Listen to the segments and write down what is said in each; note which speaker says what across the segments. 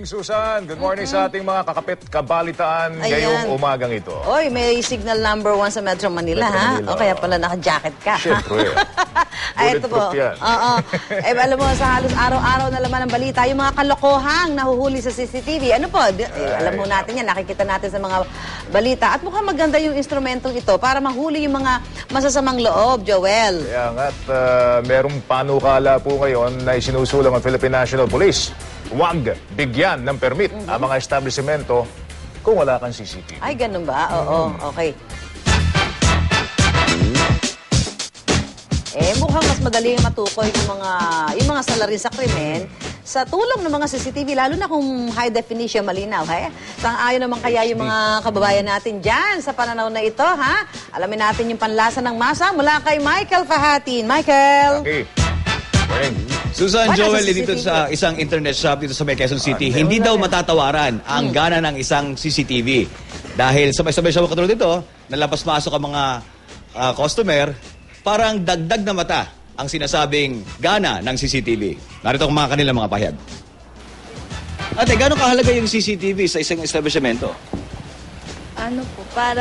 Speaker 1: Susan. Good morning sa ating mga kakapit kabalitaan ngayong umagang ito.
Speaker 2: Oy, may signal number 1 sa Metro Manila,
Speaker 1: Manila,
Speaker 2: O kaya pala naka-jacket ka.
Speaker 1: Siyempre.
Speaker 2: Ay, ito po. Oo. Alam mo, sa halos araw-araw na laman ng balita, yung mga kalokohang nahuhuli sa CCTV. Ano po? Alam mo natin yan, nakikita natin sa mga balita. At mukhang maganda yung instrumentong ito para mahuli yung mga masasamang loob, Joel.
Speaker 1: Kaya nga, at merong panukala po ngayon na isinusulong ang Philippine National Police. Huwag bigyan ng permit ang mga establishmento kung wala kang CCTV.
Speaker 2: Ay, ganun ba? Oo, okay. Mukhang mas madali matukoy yung mga salarin sa krimen sa tulong ng mga CCTV, lalo na kung high definition, malinaw, Sang-ayon naman kaya yung mga kababayan natin dyan sa pananaw na ito, Alamin natin yung panlasa ng masa mula kay Michael Fahatin. Michael!
Speaker 1: Okay. Morning.
Speaker 3: Susan, Joel, dito sa isang internet shop dito sa May Quezon City, hindi daw matatawaran ang gana ng isang CCTV. Dahil sabay-sabay siya katulad dito, nalapas-masok ang mga customer, parang dagdag na mata ang sinasabing gana ng CCTV. Narito ang mga kanilang mga pahayag. Ate, gano'ng kahalaga yung CCTV sa isang establishmento?
Speaker 4: Ano po, para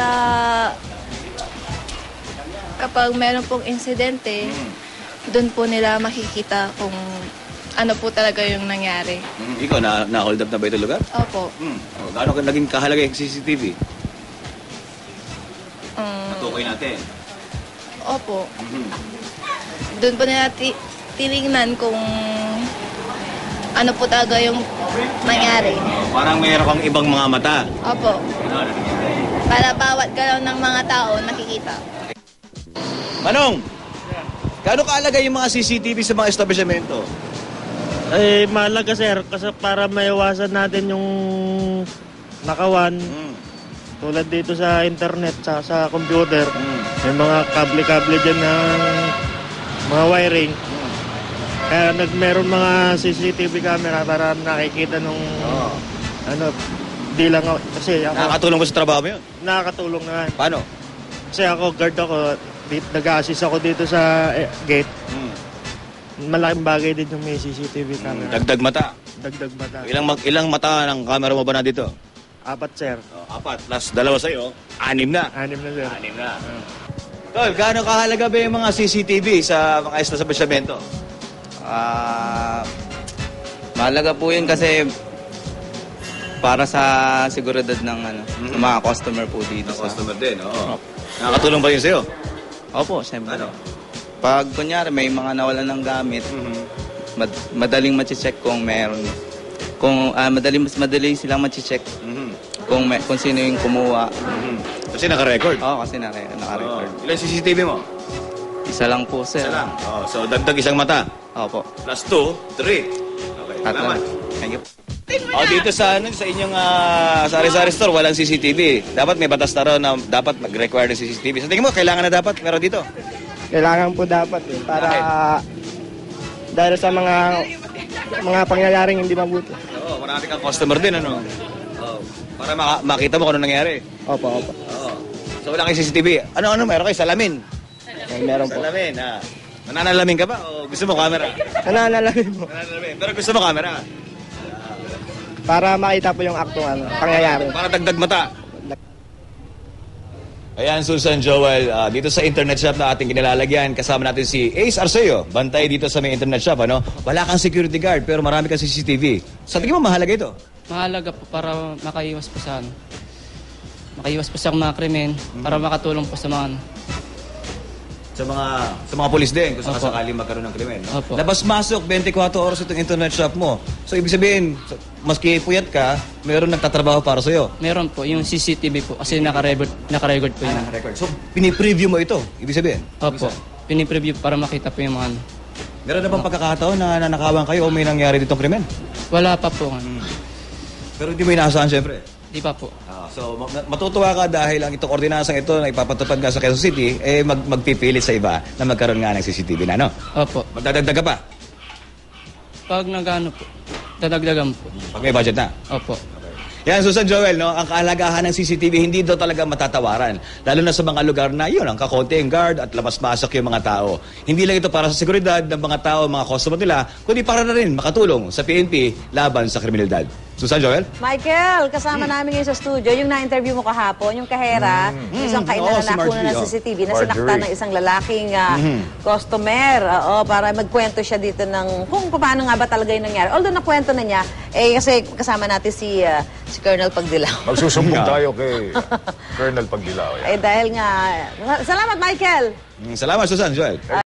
Speaker 4: kapag meron pong insidente, doon po nila makikita kung ano po talaga yung nangyari.
Speaker 3: Ikaw, na-hold up na ba ito lugar?
Speaker 4: Opo.
Speaker 3: Gano'ng naging kahalaga yung CCTV? Natukoy natin.
Speaker 4: Opo. Doon po nila tinignan kung ano po talaga yung nangyari.
Speaker 3: Parang mayroon kang ibang mga mata.
Speaker 4: Opo. Para bawat galaw ng mga tao nakikita.
Speaker 3: Manong, gano'ng kahalaga yung mga CCTV sa mga establishmento?
Speaker 5: Mahalaga sir, kasi para maiwasan natin yung nakawan. Tulad dito sa internet, sa computer, may mga kable-kable dyan ng mga wiring. Kaya meron mga CCTV camera para nakikita nung di lang kasi ako...
Speaker 3: Nakakatulong ko sa trabaho mo yun?
Speaker 5: Nakakatulong naman.
Speaker 3: Paano?
Speaker 5: Kasi ako, guard ako, nag-assist ako dito sa gate. Malaking bagay din yung may CCTV camera.
Speaker 3: Dagdag mata?
Speaker 5: Dagdag mata.
Speaker 3: Ilang mata ng camera mo ba na dito?
Speaker 5: 4 sir.
Speaker 3: 4 plus 2 sa'yo, 6 na.
Speaker 5: 6 na sir.
Speaker 3: 6 na. Tol, gaano kahalaga ba yung mga CCTV sa mga establishmento?
Speaker 6: Mahalaga po yun kasi para sa seguridad ng mga customer po dito.
Speaker 3: Customer din, oo. Nakakatulong ba yun sa'yo?
Speaker 6: Opo, siyempre.
Speaker 3: Ano?
Speaker 6: Pag kunyari may mga nawalan ng gamit, madaling machi-check kung meron. Kung madali silang machi-check kung sino yung kumuha.
Speaker 3: Kasi naka-record?
Speaker 6: Oo, kasi naka-record.
Speaker 3: Ilan CCTV mo?
Speaker 6: Isa lang po, sir.
Speaker 3: Isa lang. So dagdag isang mata.
Speaker 6: Opo.
Speaker 3: Plus 2, 3. Okay, salamat.
Speaker 6: Thank you.
Speaker 3: Dito sa inyong sari-sari store, walang CCTV. Dapat may batas na rin na dapat mag-require ng CCTV. Sa tingin mo, kailangan na dapat meron dito?
Speaker 5: Kailangan po dapat para dahil sa mga pangyayaring hindi mabuti.
Speaker 3: Oo, marami kang customer din, ano? Oo. Para makita mo kung ano nangyari.
Speaker 5: Opo.
Speaker 3: Oo. So wala kayong CCTV. Ano meron kayo? Salamin?
Speaker 5: Meron po.
Speaker 3: Salamin, Nananalamin ka ba o gusto mo camera?
Speaker 5: Nananalamin po.
Speaker 3: Nananalamin. Pero gusto mo camera?
Speaker 5: Para makita po yung aktong pangyayari.
Speaker 3: Para dagdag mata. Ayan, Susan, Joel, dito sa internet shop na ating kinilalagyan, kasama natin si Ace Arceo, bantay dito sa may internet shop, ano? Wala kang security guard, pero marami kang CCTV. Sa tingin mo, mahalaga ito?
Speaker 7: Mahalaga po para makaiwas po sa makaiwas po sa mga krimen, para makatulong po sa mga
Speaker 3: sa mga pulis din, kung sakali magkaroon ng krimen. No?
Speaker 7: Opo.
Speaker 3: Labas-masok, 24 oras itong internet shop mo. So, ibig sabihin, maski puyat ka, mayroon nagtatrabaho para sa'yo.
Speaker 7: Meron po, yung CCTV po, kasi naka-record po yun.
Speaker 3: Naka-record. So, pinipreview mo ito, ibig sabihin?
Speaker 7: Opo, pinipreview para makita po yung mga
Speaker 3: Meron na bang pagkakataon na nanakawan kayo o may nangyari ditong krimen?
Speaker 7: Wala pa po.
Speaker 3: Pero hindi mo inaasahan, syempre.
Speaker 7: Di pa po.
Speaker 3: So, matutuwa ka dahil ang itong ordinasang ito na ipapatupad nga sa Quezon City, magpipilit sa iba na magkaroon nga ng CCTV na, no?
Speaker 7: Opo.
Speaker 3: Magdadagdag ka pa?
Speaker 7: Pag nagano po, dadagdagan po.
Speaker 3: Pag may budget na?
Speaker 7: Opo.
Speaker 3: Yan, Susan, Joel, no? Ang kahalagahan ng CCTV, hindi daw talaga matatawaran. Lalo na sa mga lugar na yun, ang kakonti ang guard at labas-masok yung mga tao. Hindi lang ito para sa seguridad ng mga tao, mga customer nila, kundi para na rin makatulong sa PNP laban sa kriminalidad. Susan, Joel?
Speaker 2: Michael, kasama namin ngayon sa studio, yung na-interview mo kahapon, yung kahera, isang
Speaker 3: Oo,
Speaker 2: kainan
Speaker 3: si
Speaker 2: na nakuna
Speaker 3: Marjorie,
Speaker 2: ng
Speaker 3: oh.
Speaker 2: CCTV na
Speaker 1: Marjorie.
Speaker 2: sinaktan ng isang lalaking customer. Para magkwento siya dito ng kung paano nga ba talaga yung nangyari. Although nakwento na niya, kasi kasama natin si Colonel Pagdilaw.
Speaker 1: Magsusumbong tayo kay Colonel Pagdilaw.
Speaker 2: Dahil nga, salamat Michael!
Speaker 3: Salamat, Susan, Joel.